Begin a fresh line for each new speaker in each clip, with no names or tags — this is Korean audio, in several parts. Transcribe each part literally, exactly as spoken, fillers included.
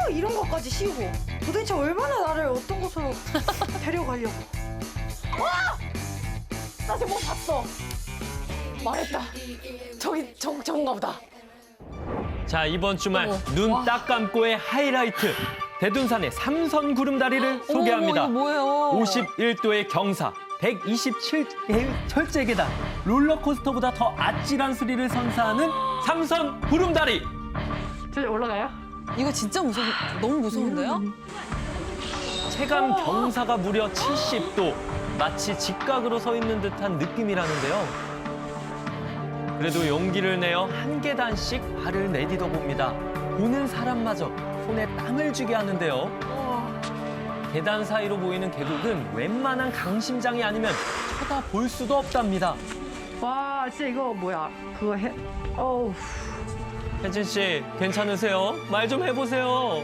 이런 것까지 씌우고 도대체 얼마나 나를 어떤 곳으로 데려가려고. 와! 나 지금 뭐 봤어. 말했다. 저기 저, 저건가 보다.
자, 이번 주말
어머,
눈
와.
딱 감고의 하이라이트. 대둔산의 삼선 구름다리를 소개합니다.
어머, 이거 뭐예요?
오십일 도의 경사, 백이십칠 개의 철제 계단, 롤러코스터보다 더 아찔한 스릴을 선사하는 삼선 구름다리.
저 올라가요?
이거 진짜 무서워. 너무 무서운데요?
체감 경사가 무려 칠십 도. 마치 직각으로 서 있는 듯한 느낌이라는데요. 그래도 용기를 내어 한 계단씩 발을 내디뎌 봅니다. 보는 사람마저 손에 땀을 쥐게 하는데요. 계단 사이로 보이는 계곡은 웬만한 강심장이 아니면 쳐다볼 수도 없답니다.
와, 진짜 이거 뭐야? 그거 해. 어우.
혜진 씨, 괜찮으세요? 말 좀 해보세요.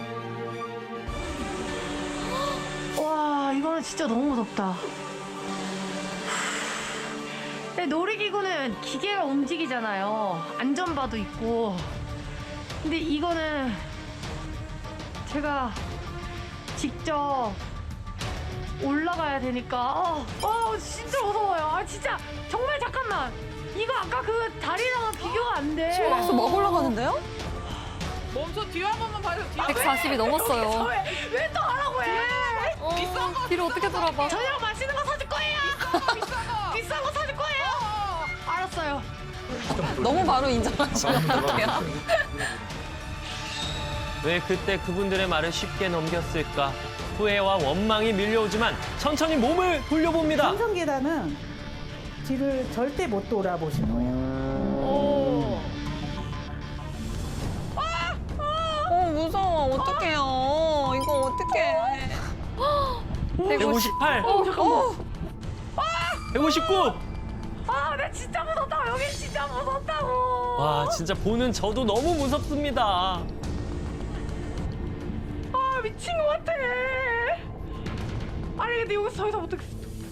와, 이거는 진짜 너무 무섭다. 근데 놀이기구는 기계가 움직이잖아요. 안전바도 있고. 근데 이거는 제가 직접 올라가야 되니까 어, 어 진짜 무서워요. 아 진짜 정말 잠깐만. 이거 아까 그 다리랑은 비교가 안 돼.
심박수 막 올라가는데요?
멈춰 뒤에 한 번만 봐요. 뒤에.
백사십이 넘었어요.
왜 또 하라고 해?
어, 뒤로 어떻게 돌아봐?
저녁 맛있는 거 사줄 거예요.
비싼 거.
비싼 거 사줄 거예요. 알았어요.
너무 바로 인정하시면 어떡해요?
왜 그때 그분들의 말을 쉽게 넘겼을까? 후회와 원망이 밀려오지만 천천히 몸을 돌려봅니다.
삼선 계단은 뒤를 절대 못 돌아보실 거예요.
오.
어, 무서워. 어떡해요. 이거 어떡해.
백오십팔,
어 잠깐만.
백오십구.
아, 나 진짜 무섭다. 여기 진짜 무섭다고.
와, 진짜 보는 저도 너무 무섭습니다.
아, 미친 것 같아. 아니, 근데 여기서 더 이상 못하겠어.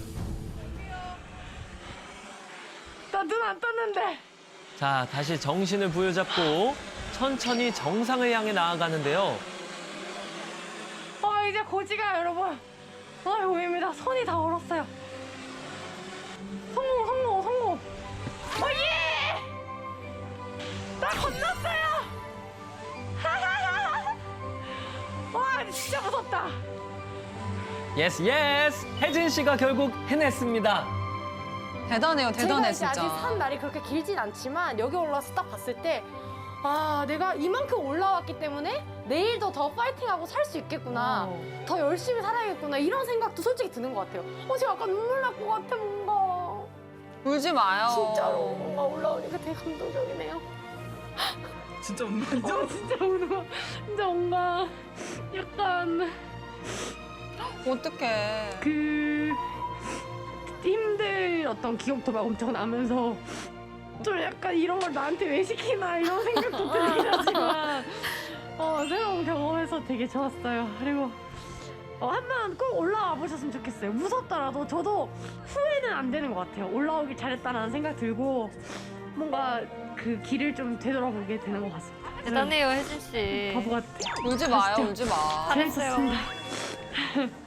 나 눈 안 떴는데.
자, 다시 정신을 부여잡고 천천히 정상을 향해 나아가는데요.
아, 이제 고지가 여러분. 아, 보입니다. 손이 다 얼었어요. 성공, 성공, 성공. 어, 예! 나 건넜어요. 하하하. 와, 진짜 무섭다.
예스, 예스! 혜진 씨가 결국 해냈습니다.
대단해요. 대단해,
제가 이제 아직
진짜.
산 날이 그렇게 길진 않지만 여기 올라와서 딱 봤을 때 아, 내가 이만큼 올라왔기 때문에 내일도 더 파이팅하고 살 수 있겠구나. 더 열심히 살아야겠구나. 이런 생각도 솔직히 드는 것 같아요. 어, 지금 약간 눈물 날 것 같아, 뭔가.
울지 마요.
진짜로 뭔가 올라오니까 되게 감동적이네요.
진짜 운다
저 진짜 뭔가, 진짜 뭔가 약간
어떡해.
그 힘들 어떤 기억도 막 엄청 나면서 좀 약간 이런 걸 나한테 왜 시키나 이런 생각도 들긴 하지만 어, 새로운 경험해서 되게 좋았어요. 그리고 어, 한번 꼭 올라와 보셨으면 좋겠어요. 무섭더라도 저도 후회는 안 되는 것 같아요. 올라오길 잘했다라는 생각 들고 뭔가 그 길을 좀 되돌아보게 되는 것 같습니다.
대단해요, 혜진 씨.
바보 같아.
울지 마요.
진짜.
울지 마.
잘했어요.
재밌었습니다.